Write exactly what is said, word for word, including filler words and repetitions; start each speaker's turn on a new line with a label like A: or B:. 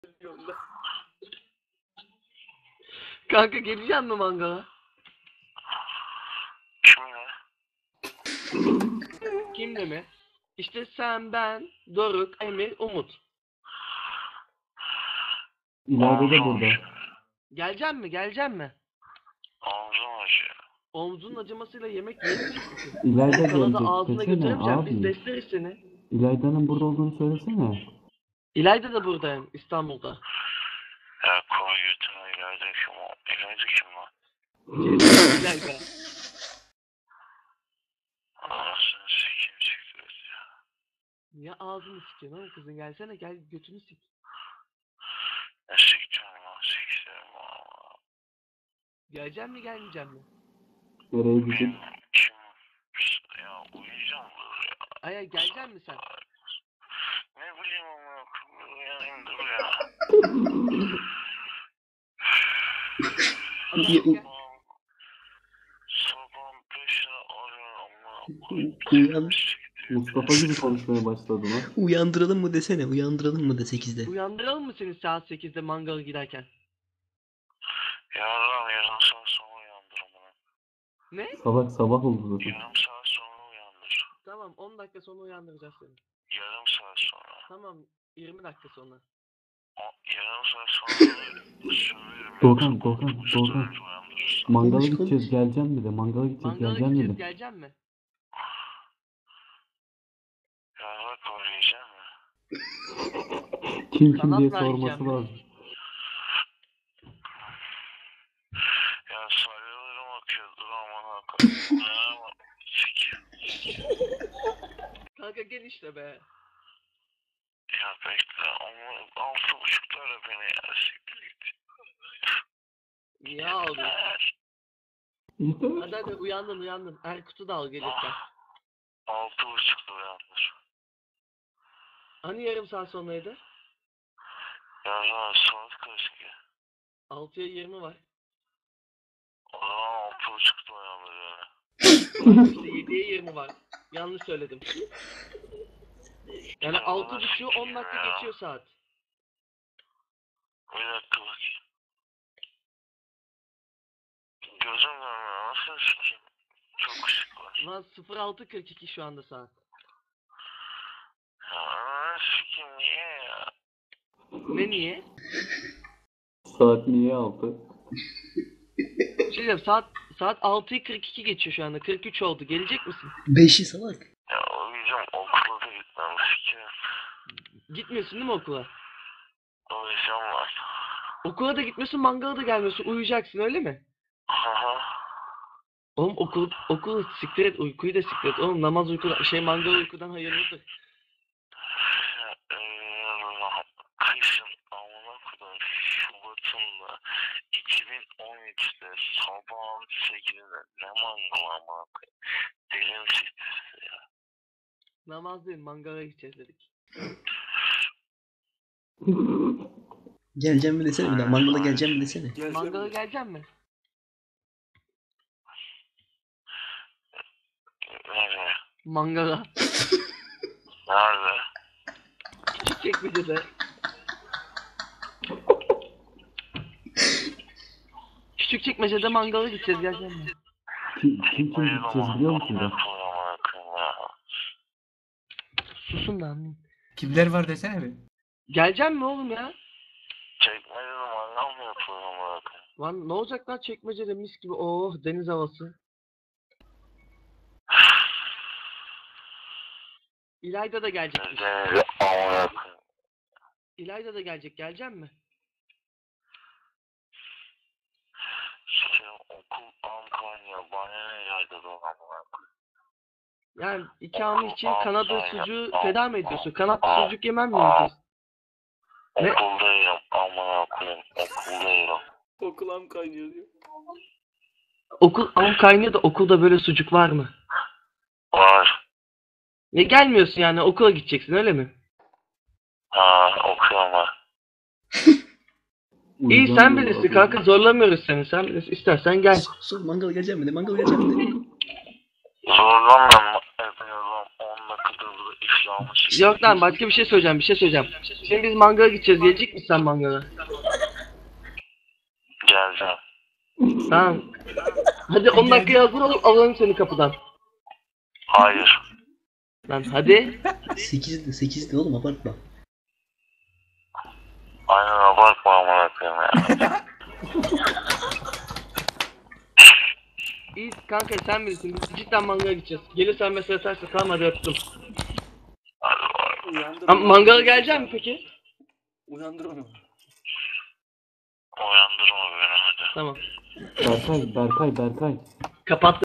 A: Kanka geleceğim mi mangala?
B: Kimle?
A: Kimle mi? İşte sen, ben, Doruk, Emir, Umut.
C: İleride de burada.
A: Geleceğim mi? Geleceğim mi?
B: Omzum acıyor.
A: Omzunun acımasıyla yemek yiyemeyecek misin?
C: İlayda
A: Kanada
C: gelecek.
A: ağzına
C: Desene
A: götüremeyeceğim. Biz
C: abi.
A: besleriz seni.
C: İlayda'nın burada olduğunu söylesene.
A: İlayda da buradayım. İstanbul'da.
B: Ya koy götüne İlayda kim o? İlayda kim lan?
A: İlayda.
B: Anasını sikeyim siktir ya.
A: Niye ağzını sikiyorsun oğlum kızın? Gelsene gel götünü sik.
B: Ne sikeceğim lan sikeceğim valla.
A: Geleceğim mi gelmeyeceğim mi?
C: Nereye gidip?
B: Kim? Kim? Ya uyuyacağım dur ya.
A: Aya geleceğim mi sen?
B: Ne bileyim ama uyanayım dur ya.
A: Hadi gel.
B: Sabah beşe arıyorum ama.
D: Uyan,
C: Mustafa gibi konuşmaya başladı lan.
D: uyandıralım mı desene, uyandıralım mı de sekizde.
A: Uyandıralım mı seni saat sekizde mangala giderken?
B: Yarın yarın saat sonra uyandır ama.
A: Ne?
C: Salak sabah oldu zaten.
B: Yarım saat sonra uyandır.
A: Tamam on dakika sonra uyandıracağız seni.
B: Yarım saat sonra.
A: Tamam yirmi dakika sonra.
B: O, yarım saat sonra söylerim.
C: Doğukan, Doğukan, Doğukan.
B: Uyandırırsın.
C: Mangala
D: Konuş,
C: gideceğiz,
D: konuş.
C: geleceğim mi de? Mangala gideceğiz,
A: Mangala
C: geleceğim mi
A: gideceğiz
C: de?
A: geleceğim mi?
B: Ya bak oynayacağım ya.
C: Kim kim
A: Kanat
C: diye
A: vereceğim
C: sorması
A: ya.
C: lazım.
B: Ya salyalarım akıyor dur aman hakikaten. Ya sik.
A: Kanka gel işte be.
B: Ya bekle ama altı buçuklara beni ya siktir git.
A: Niye ağlıyorsun?
C: Yeter.
A: Hadi hadi uyandın uyandın. Erkut'u da al gelirken.
B: Altı buçukta uyandır.
A: Hani yarım saat sonraydı?
B: Ya saat kaç ki?
A: altıya yirmi var.
B: O zaman altı buçukta uyandır yani.
A: İşte yediye yirmi var. Yanlış söyledim. Yani altı buçuğu on dakika geçiyor saat.
B: Bir dakika bakayım. Gözüm görmüyor nasıl sikeyim? Çok ışık var.
A: Lan sıfır altı kırk iki şu anda saat.
B: Ya nasıl sikeyim niye ya?
A: Ne niye?
C: Saat niye altı?
A: Bir şey diyeceğim, saat saat altıyı kırk iki geçiyor şu anda. kırk üç oldu. Gelecek misin?
D: Beşi salak.
B: Ya uyuyacağım okula da gitmem sikeyim.
A: Gitmiyorsun değil mi okula?
B: Uyuyacağım var.
A: Okula da gitmiyorsun, mangala da gelmiyorsun. Uyuyacaksın öyle mi?
B: Haha.
A: Oğlum okul okul siktir et, uykuyu da siktir et. Oğlum namaz uykudan şey mangal uykudan hayırlıdır.
B: Kışın amına kodum Şubat'ında iki bin on üçte sabahın sekizinde ne mangal amına koyayım. Dilim siktirdi ya.
A: Namaz değil, mangala gideceğiz dedik.
D: Geleceğim mi desene bir daha, mangala geleceğim mi desene.
A: Mangala geleceğim mi?
B: Nereye?
A: Mangala.
B: Nerede?
A: Küçükçekmece'de. Küçükçekmece'de mangala gideceğiz, geleceğim mi?
C: Kim kim, kim gideceğiz biliyor musun da?
A: Susun lan.
E: Kimler var desene bir.
A: Geleceğim mi oğlum ya?
B: Çekmece mangal mı yapıyor amına koyayım?
A: Lan ne olacak lan Çekmece'de mis gibi, oh deniz havası. İlayda da gelecek.
B: Denize amına koyayım.
A: İlayda da gelecek, geleceğim mi?
B: Sikeyim okul Antalya bana ne geldi bu amına koyayım.
A: Yani ikamı için Kanada sucuğu feda mı ediyorsun? Kanat sucuk yemem mi diyeceğiz? Ne?
B: Okuldayım amına koyayım okuldayım.
A: Okulam kaynıyor diyor. Okul am kaynıyor da okulda böyle sucuk var mı?
B: Var.
A: Ya gelmiyorsun yani, okula gideceksin öyle mi?
B: Ha okuyorum var.
A: İyi sen bilirsin kanka, zorlamıyoruz seni, sen bilirsin, istersen gel.
D: Sor, sor mangala geleceğim mi de, mangala geleceğim mi de.
B: Zorlanmam. Efendim on dakikada burada Yanlış.
A: Yok lan başka bir şey söyleyeceğim bir şey söyleyeceğim. Şimdi biz mangala gideceğiz. Gelecek misin sen mangala?
B: Geleceğim.
A: Tamam. Hadi on dakikaya hazır ol alalım seni kapıdan.
B: Hayır.
A: Lan hadi.
D: sekizde sekizde oğlum abartma.
B: Aynen abartma amına koyayım ya.
A: İyi kanka sen bilirsin. Biz cidden mangala gideceğiz. Gelirsen mesaj atarsın. Tamam hadi öptüm.
B: Hadi bay.
A: Ama mangala gelecek mi peki?
F: Uyandır onu.
B: Uyandırma beni hadi.
A: Tamam.
C: Berkay, Berkay, Berkay.
A: Kapat.